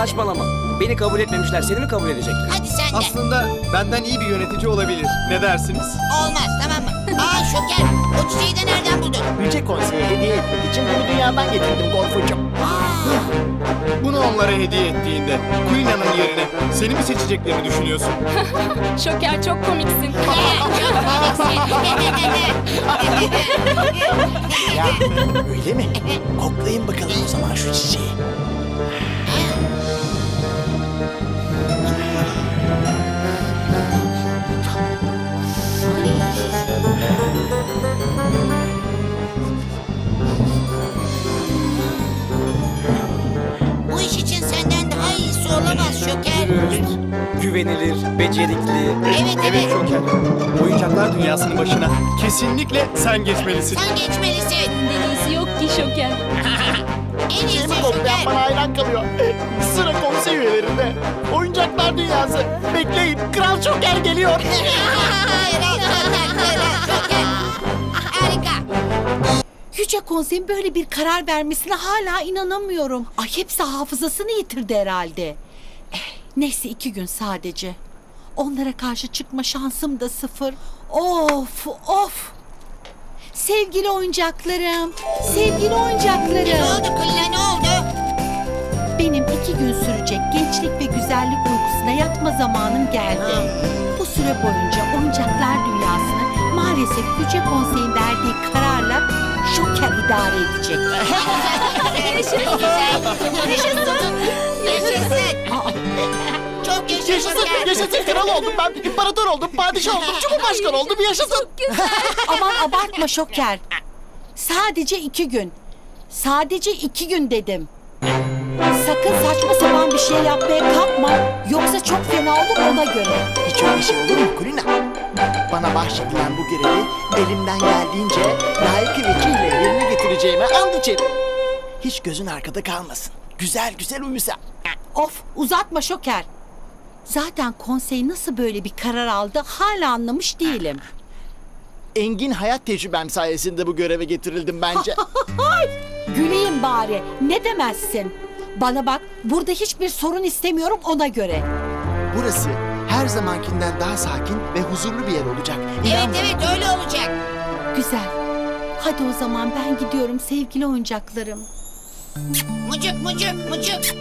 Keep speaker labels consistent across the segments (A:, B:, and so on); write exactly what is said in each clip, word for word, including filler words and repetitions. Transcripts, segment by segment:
A: Saçmalama. Beni kabul etmemişler. Seni mi kabul edecekler?
B: Hadi sen de.
C: Aslında benden iyi bir yönetici olabilir. Ne dersiniz?
B: Olmaz, tamam mı? Aa Şoker, o çiçeği de nereden buldun?
D: Yüce Konsey'e hediye etmek için bunu dünyadan getirdim Gorfucuğum.
C: Bunu onlara hediye ettiğinde Kulina'nın yerine seni mi seçeceklerini düşünüyorsun?
E: Şoker çok komiksin.
D: Ya öyle mi? Koklayın bakalım o zaman şu çiçeği.
B: Bu iş için senden daha iyisi olamaz Şoker.
A: Dürüst, güvenilir, becerikli.
B: Evet, evet.
C: Şoker. Oyuncaklar dünyasının başına kesinlikle sen geçmelisin.
B: Sen geçmelisin.
E: Senden iyisi yok ki Şoker.
B: En iyisi
D: Çiçeğimi koklayan
B: Şoker.
D: bana hayran kalıyor. Sıra konsey üyelerinde. Oyuncaklar dünyası. Bekleyin, Kral Şoker geliyor.
B: Kral Şoker, Kral Şoker. Harika.
F: Yüce Konsey'in böyle bir karar vermesine hala inanamıyorum. Ay hepsi hafızasını yitirdi herhalde. Eh, neyse iki gün sadece. Onlara karşı çıkma şansım da sıfır. Of of. Sevgili oyuncaklarım, sevgili
B: Ne
F: oyuncaklarım.
B: oldu Kulina, ne oldu?
F: Benim iki gün sürecek gençlik ve güzellik uykusuna yatma zamanım geldi. Bu süre boyunca oyuncaklar dünyasını maalesef Yüce Konsey'in verdiği kararla Şoker idare edecek.
B: Yaşasın. Yaşasın. Yaşasın.
F: Aa,
B: Çok yaşasın
D: Yaşasın,
B: Şoker.
D: yaşasın kral oldum ben. İmparator oldum, padişah oldum, cumhurbaşkanı oldum. Yaşasın.
F: aman abartma Şoker. Sadece iki gün. Sadece iki gün dedim. Sakın saçma sapan bir şey yapmaya kalkma. Yoksa çok fena olur ona göre.
D: Hiç öyle şey olur mu Kulina? Bana bahşedilen bu görevi elimden geldiğince layık vekille yerine getireceğime and içerim. Hiç gözün arkada kalmasın. Güzel güzel uyusa.
F: Of uzatma Şoker. Zaten konsey nasıl böyle bir karar aldı hala anlamış değilim.
D: Engin hayat tecrübem sayesinde bu göreve getirildim bence.
F: Güleyim bari. Ne demezsin? Bana bak burada hiçbir sorun istemiyorum ona göre.
D: Burası her zamankinden daha sakin ve huzurlu bir yer olacak.
B: Evet
D: İnan bana.
B: evet öyle olacak.
F: Güzel. Hadi o zaman ben gidiyorum sevgili oyuncaklarım.
B: Mucuk mucuk mucuk.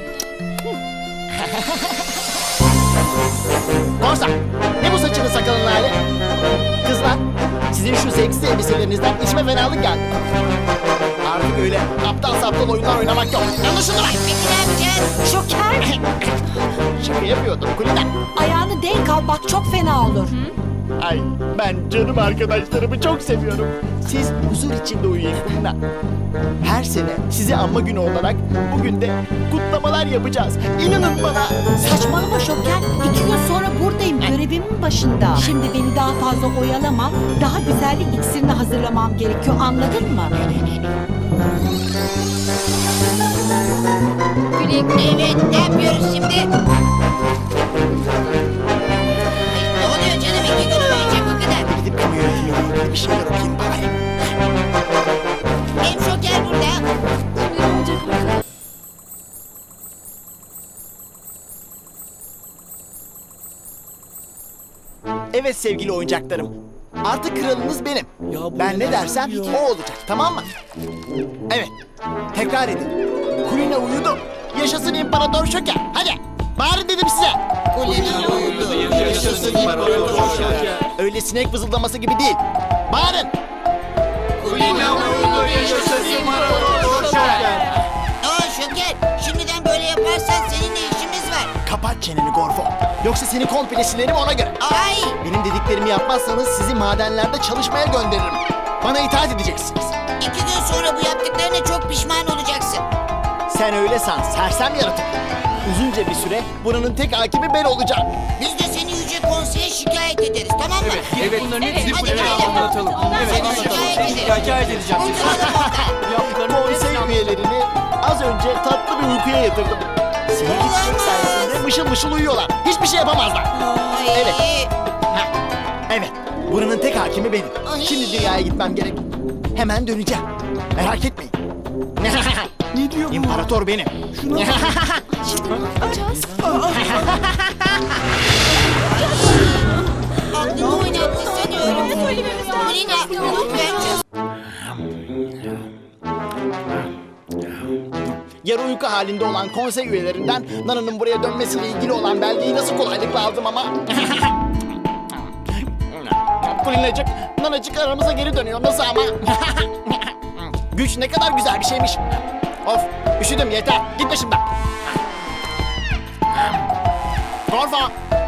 D: Korsan, ne bu saçını sakalın hali? Kızlar, sizin şu seksi elbiselerinizden içime fenalık geldi. Artık öyle aptal saptal oyunlar oynamak yok. Anlaşıldı mı?
B: Peki ne yapacağız?
F: Şoker
D: Şaka yapıyordum Kulina.
F: ayağını denk al bak çok fena olur.
D: Ay ben canım arkadaşlarımı çok seviyorum. Siz huzur içinde uyuyun Kulina. Her sene sizi anma günü olarak bugün de kutlamalar yapacağız. İnanın bana.
F: Saçmalama Şoker. İki gün sonra buradayım görevimin başında. Şimdi beni daha fazla oyalama. Daha güzellik iksirini hazırlamam gerekiyor anladın mı?
E: Güle güle.
B: Evet ne yapıyoruz şimdi? Ay, ne oluyor canım iki gün uyuyacak o kadar.
D: Gidip kamu yönetimiyle ilgili bir şeyler okuyayım bari.
B: Hem Şoker burada.
E: Şimdi ne olacak bakalım.
D: Evet sevgili oyuncaklarım. Artık kralınız benim. Ben ne dersem o olacak, tamam mı? Evet. Tekrar edin. Kulina uyudu. Yaşasın İmparator Şoker. Hadi. Bağırın dedim size.
B: Kulina uyudu.
C: Yaşasın İmparator Şoker.
D: Öyle sinek vızıldaması gibi değil. Bağırın.
C: Kulina uyudu, yaşasın İmparator Şoker.
B: Aa Şoker şimdiden böyle yaparsan seninle işimiz var.
D: Kapat çeneni Gorfo. Yoksa seni komple silerim ona göre.
B: Ay
D: Benim dediklerimi yapmazsanız sizi madenlerde çalışmaya gönderirim. Bana itaat edeceksiniz.
B: iki gün sonra bu yaptıklarına çok pişman olacaksın.
D: Sen öyle san, sersem yaratık. Uzunca bir süre buranın tek hakimi ben olacağım.
B: Biz de seni Yüce Konsey'e şikayet ederiz tamam mı?
A: Evet, bunların hepsini
B: Hadi
A: Kulina'ya
B: gidelim.
A: anlatalım.
B: Hadi
A: Evet,
B: şikayet
A: seni
B: edelim.
A: şikayet edeceğim.
B: Kurtulalım oradan.
A: Yaptıklarının
D: Konsey
A: hepsini
D: üyelerini az önce tatlı bir uykuya yatırdım. Sinek içmek sayesinde mışıl mışıl uyuyorlar. Hiçbir şey yapamazlar.
B: Ay.
D: Evet. Ha, evet, buranın tek hakimi benim.
B: Ay.
D: Şimdi dünyaya gitmem gerek. Hemen döneceğim. Merak etmeyin.
A: Ne diyor bu?
D: İmparator benim.
E: Şimdi ne yapacağız?
B: Aklını oynattı sanıyorum.
E: Söylememiz lazım.
B: Kulina lütfen çöz.
D: Yarı uyku halinde olan konsey üyelerinden Nana'nın buraya dönmesiyle ilgili olan belgeyi nasıl kolaylıkla aldım ama... Kulinacık, Nanacık aramıza geri dönüyor. Nasıl ama? Güç ne kadar güzel bir şeymiş. Of, üşüdüm yeter. Git başımdan. Torfa!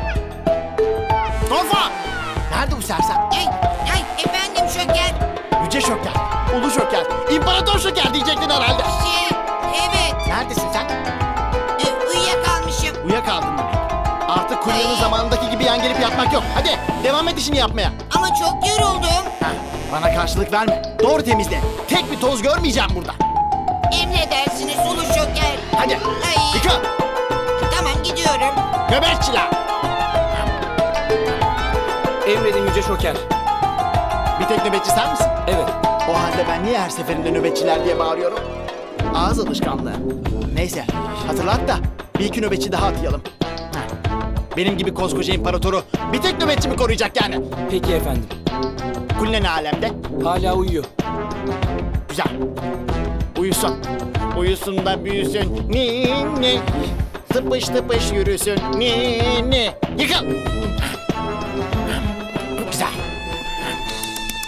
D: Torfa! Nerede bu sersem?
B: Ay, ay efendim Şoker.
D: Yüce Şoker, Ulu Şoker, İmparator Şoker diyecektin herhalde.
B: Şey, evet.
D: Neredesin sen?
B: E, uyuyakalmışım.
D: Uyuyakaldın demek. Artık Kulina'nın zamanındaki gibi yan gelip yatmak yok. Hadi devam et işini yapmaya.
B: Ama çok yoruldum.
D: Heh, bana karşılık verme. Doğru temizle. Tek bir toz görmeyeceğim burada.
B: Emredersiniz Ulu Şoker.
D: Hadi
B: Ay.
D: yıka.
B: Tamam gidiyorum.
D: Göbekçiler.
A: Emredin Yüce Şoker.
D: Bir tek nöbetçi sen misin?
A: Evet.
D: O halde ben niye her seferinde nöbetçiler diye bağırıyorum? Ağız alışkanlığı. Neyse hatırlat da bir iki nöbetçi daha atayalım. Heh. Benim gibi koskoca imparatoru bir tek nöbetçi mi koruyacak yani?
A: Peki efendim.
D: Kulina ne alemde?
A: Hala uyuyor.
D: Güzel. Uyusun. Uyusun da büyüsün. Ni ni. Tıpış tıpış yürüsün. Ni ni. Yıkıl. Güzel.